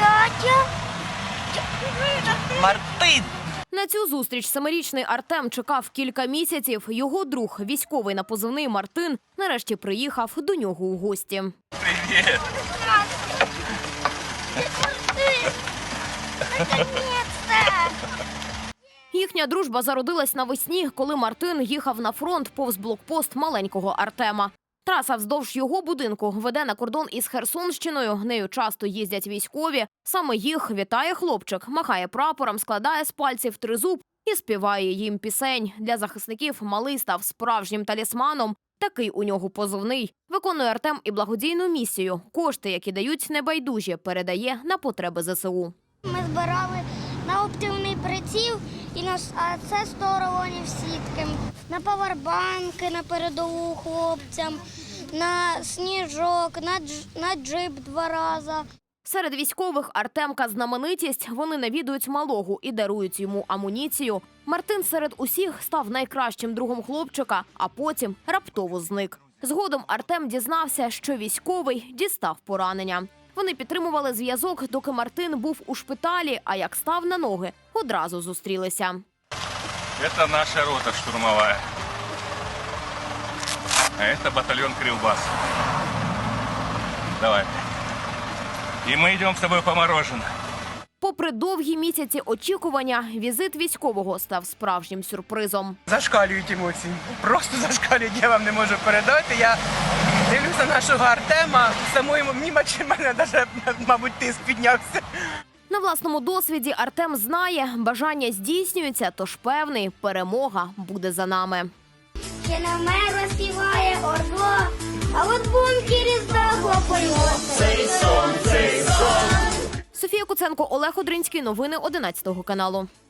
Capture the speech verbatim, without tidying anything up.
Дядя. Мартин! На цю зустріч семирічний Артем чекав кілька місяців. Його друг, військовий на позивний Мартин, нарешті приїхав до нього у гості. Привіт! Наконец-то! Їхня дружба зародилась навесні, коли Мартин їхав на фронт повз блокпост маленького Артема. Траса вздовж його будинку веде на кордон із Херсонщиною. Нею часто їздять військові. Саме їх вітає хлопчик, махає прапором, складає з пальців тризуб і співає їм пісень. Для захисників малий став справжнім талісманом. Такий у нього позивний. Виконує Артем і благодійну місію. Кошти, які дають небайдужі, передає на потреби зе се у. Ми збирали на оптичний приціл, і на, а це сто рулонів сітки. На павербанки, на передову хлопцям, на сніжок, на, дж, на джип два рази. Серед військових Артемка знаменитість. Вони навідують малого і дарують йому амуніцію. Мартин серед усіх став найкращим другом хлопчика, а потім раптово зник. Згодом Артем дізнався, що військовий дістав поранення. Вони підтримували зв'язок, доки Мартин був у шпиталі, а як став на ноги, одразу зустрілися. Это наша рота штурмовая. А это батальон Кривбас. Давай. И мы идем с тобой по мороженое. Попри довгі місяці очікування, візит військового став справжнім сюрпризом. Зашкалюють емоції. Просто зашкалюють, я вам не можу передати. Я дивлюся нашого Артема, самої мені в мене навіть, мабуть, тиск піднявся. На власному досвіді Артем знає, бажання здійснюється, тож певний, перемога буде за нами. Ще на мерла співає ордло, а от в бункері здохло польот. Цей сон, цей сон. Софія Куценко, Олег Одринський. Новини одинадцятого каналу.